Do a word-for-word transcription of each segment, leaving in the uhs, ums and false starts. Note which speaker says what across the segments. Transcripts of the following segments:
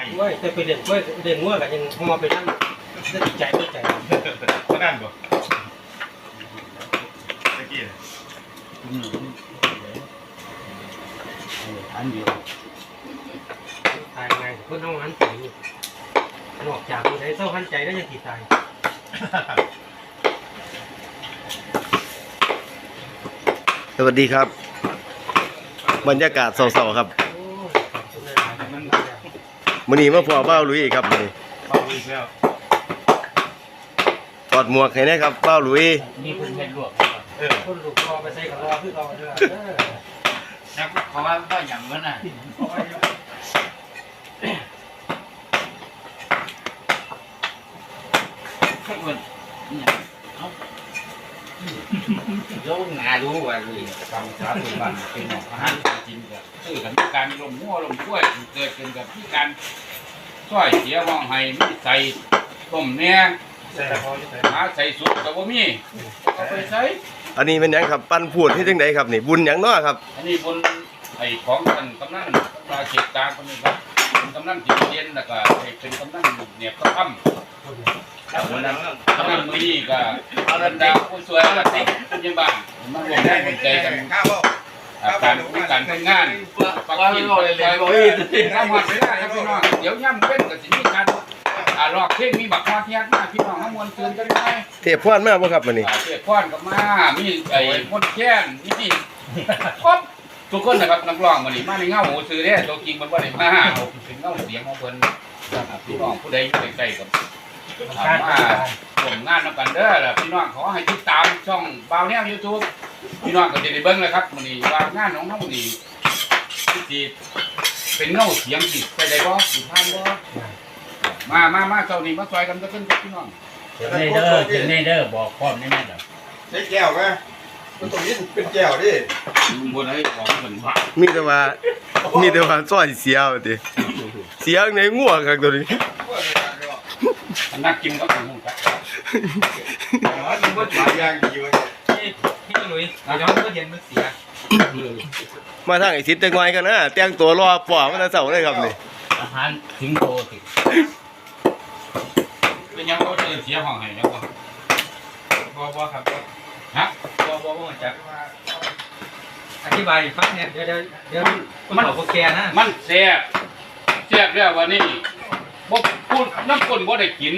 Speaker 1: เว้ยจะไปเด่นเว้ยเด่นงัวกันยังพอไปนั่งจะติดใจติดใจ
Speaker 2: ก็นั่นบ่ตะกี้
Speaker 3: อันเดียว
Speaker 1: ตายไงเพื่อนน้องหันใจนอกจากคนใดเศร้าหันใจได้ยังติดตาย
Speaker 4: สวัสดีครับบรรยากาศเศร้าๆครับมื้อนี้มาพอเบ้าหลุยครับมื้อนี้ถอดหมวกให้นะครับเบ้าหลุย
Speaker 3: นี่เพิ่นเฮ็ดลวก
Speaker 1: เออคนลูกรอไปใส่กับรอคือเราเด้อเออ
Speaker 3: นักเขาว่าก็หยังมันน่ะข้างบนนี่เอ้าโยงารู้ว่าเลยกำชับเป็นบ้านเป็นหมออาหารกินก็คือกันการลมหัวลมกล้วยเกิดขึ้นกับที่การช่วยเสียห้องให้มีใส่ต้มแหน่หาใส่สุกก็บ่มีเอาไปใส่
Speaker 4: อันนี้เป็นหยังครับปั้นพูดที่จังไดครับนี่บุญหยังน้อครับ
Speaker 3: อันนี้บนไอ้ของท่านกำนันปลาเก็บกลางคนนี้ครับเป็นกำนันจิตเย็นแล้วก็เป็นกำนันเนี่ยก็ทำแล้วคนนั้นกำนันมือนี้ก็อารันดาผู้สวยอารันติผู้ยิงบ้านมารวมได้คนใจกันการมีการทำงานปักกินไปเลยทำหัดไม่ได้ครับพี่น้องเดี๋ยวย่ำเป็นกับสิ่งที่การอ่ารอกเท่งมีบักฮอดเทียนมาพี่น้องทั้งมวลเตือนกันไหม
Speaker 4: เทพพรมาบ่ครับมื้อนี้
Speaker 3: เทพพรกับมามีไอ้มดแค้นมีครบทุกคนนะครับนักร้องมื้อนี้มาในเงาหูซื้อเด้ตัวจริงมันบ่ได้มาเอาเป็นเงาเสียงของเพิ่นพี่น้องผู้ใดอยู่ใกล้ๆกับถามมาส่งงานนำกันเด้อล่ะพี่น้องขอให้ติดตามช่องบ่าวแนว YouTube พี่น้องก็จะได้เบิ่งเลยครับมื้อนี้ว่างานของเฮานี่สิเป็นเงาเสียงสิไปได้บ่สิผ่านบ่มามามาเจ้านี่มาซอยกันก็ขึ้นกับพี่น้อง
Speaker 1: เนเดอร์เจเนเดอร์บอกพร้อมแน่ๆเด้อ
Speaker 2: ใช้แก้วมั้ยมันต้องยินเป็นแก้วดิ
Speaker 3: บนให้ของเหมือนว่า
Speaker 4: มีแต่ว่ามีแต่ว่าซอยเสียว่าติเสียงในงัวครับตัวนี้
Speaker 3: นักกินก็ถึงหูครับ
Speaker 2: อ๋อนี่บ่หลายอย่างดีเว้ย
Speaker 1: พี่พี่หลุยเราจะมันก็เห็นมันเสีย
Speaker 4: มาทางไอ้สิทธิ์จังหน่อยกันนะแต่งตัวรอปอมันจะเศร้าเลยครับนี่
Speaker 3: อาหารถึงโตสิเป็นยังเขาเสียห้องให้ยังบ่
Speaker 1: บ่บ่ครับ
Speaker 3: ฮะ
Speaker 1: บ่บ่บ่จักอธิบายฟังเนี่ยเดี๋ยวเดี๋ยวเดี๋ยวมันบอกแกนะ
Speaker 3: มันแซ่บแซ่บแล้ววันนี้บ่พูดน้ำคนบ่ได้กิน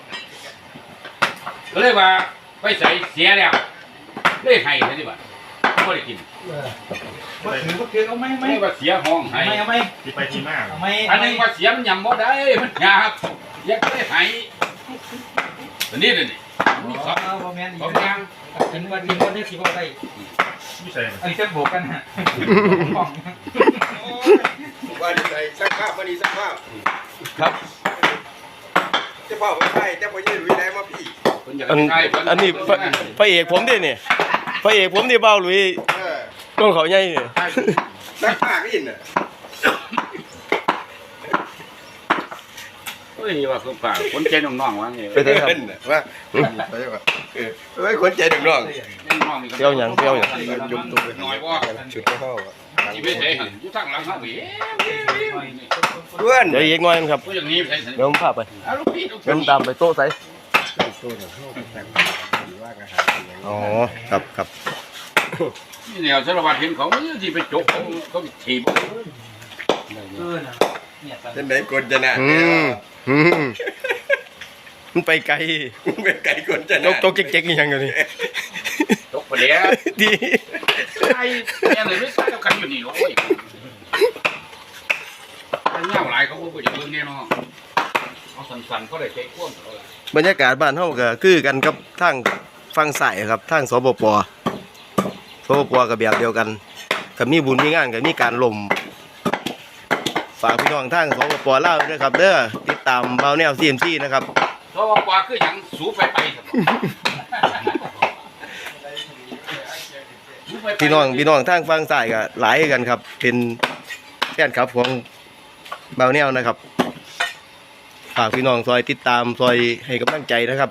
Speaker 3: ก็เลยว่าไปใส่เสียแล้วเลยให้ซะดิบ่บ่ได้กิน
Speaker 1: บ่ถือบ่ถือเอาไหมไหม
Speaker 3: ว่าเสียห้องให้
Speaker 1: เอาไหม
Speaker 2: สิไปที่มา
Speaker 1: เอาไหม
Speaker 3: อันนึงว่าเสียมันยำบ่ได้มันยากอยากได้ให้ตัวนี้นี่มีสอง
Speaker 1: บ่แม่นอีก
Speaker 3: อย่าง
Speaker 1: กินวันกินวันได้สิบ่ได้
Speaker 2: ไม่ใช่
Speaker 1: ไอ้เส้นโบกกันฮะ
Speaker 2: ว่าจะใส่สักภาพวันนี้สักภาพ
Speaker 4: ครับ
Speaker 2: จะพ่อไม่ใช่จะพ่อยืนวินัยมาพี่
Speaker 4: อันอันนี้พระเอกผมดิเนี่ยพระเอกผมดิเบ้าหลุยต้นเขาใหญ่เนี่ย
Speaker 2: สักภาพอินน่ะ
Speaker 3: เฮ้ยว่าคือป่าคนใจน้องๆว่านี่
Speaker 4: ไปเถอะครับ
Speaker 2: ว่าไปว่าเออไว้คนใจน้อง
Speaker 4: เที่ยวหยังเที่ยวหยัง
Speaker 2: จุดตุ้ม
Speaker 3: น้อยบ่
Speaker 2: จุดเข้า
Speaker 3: ชีวิตเด้หั่นอยู่ทางหลังเฮาอี
Speaker 4: เพื่อนเดี๋ยวอีกหน่อยครับ
Speaker 3: ผู้อย่างนี้ไป
Speaker 4: เดี๋ยวผมพาไปเดินตามไปโต๊ะไสอ๋อครับครับ
Speaker 3: นี่แนวสารวัตรเห็นเขาที่ไปจกเขาเขาถีบ
Speaker 1: เออนะเนี่ย
Speaker 2: จะไหนคนจะน่ะ
Speaker 4: มันไปไกล
Speaker 2: ไปไกลคนจะ
Speaker 4: น่ะจกเจ๊กๆยังอยู่นี่
Speaker 3: จกไปแล้ว
Speaker 4: ดี
Speaker 3: ไอ้เนี่ยเลยไม่ใช่เขากันอยู่นี่โอ้ยไอ้เงาหลายเขาพูดอย่างเรื่องนี้เนาะเอาสั่นๆเขาได้ใจกว้าง
Speaker 4: บรรยากาศบ้านเฮาก็คือกันกับทางฝั่งซ้ายครับทางสปปสปปก็แบบเดียวกันก็มีบุญมีงานก็มีการลมฝากพี่น้องทางสปปลาวด้วยครับเด้อติดตามเบาแนว ซี เอ็ม ซี นะครับ
Speaker 3: สปปคือหยังสูไปไป
Speaker 4: พี่น้องพี่น้องทางฝั่งซ้ายก็หลายกันครับเป็นแฟนคลับของเบาแนวนะครับฝากพี่น้องซอยติดตามซอยให้กำลังใจนะครับ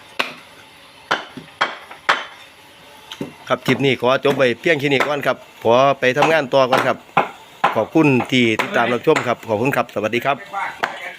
Speaker 4: ครับคลิปนี้ขอจบไปเพียงแค่นี้ก่อนครับขอไปทำงานต่อก่อนครับขอบคุณที่ติดตามรับชมครับขอบคุณครับสวัสดีครับ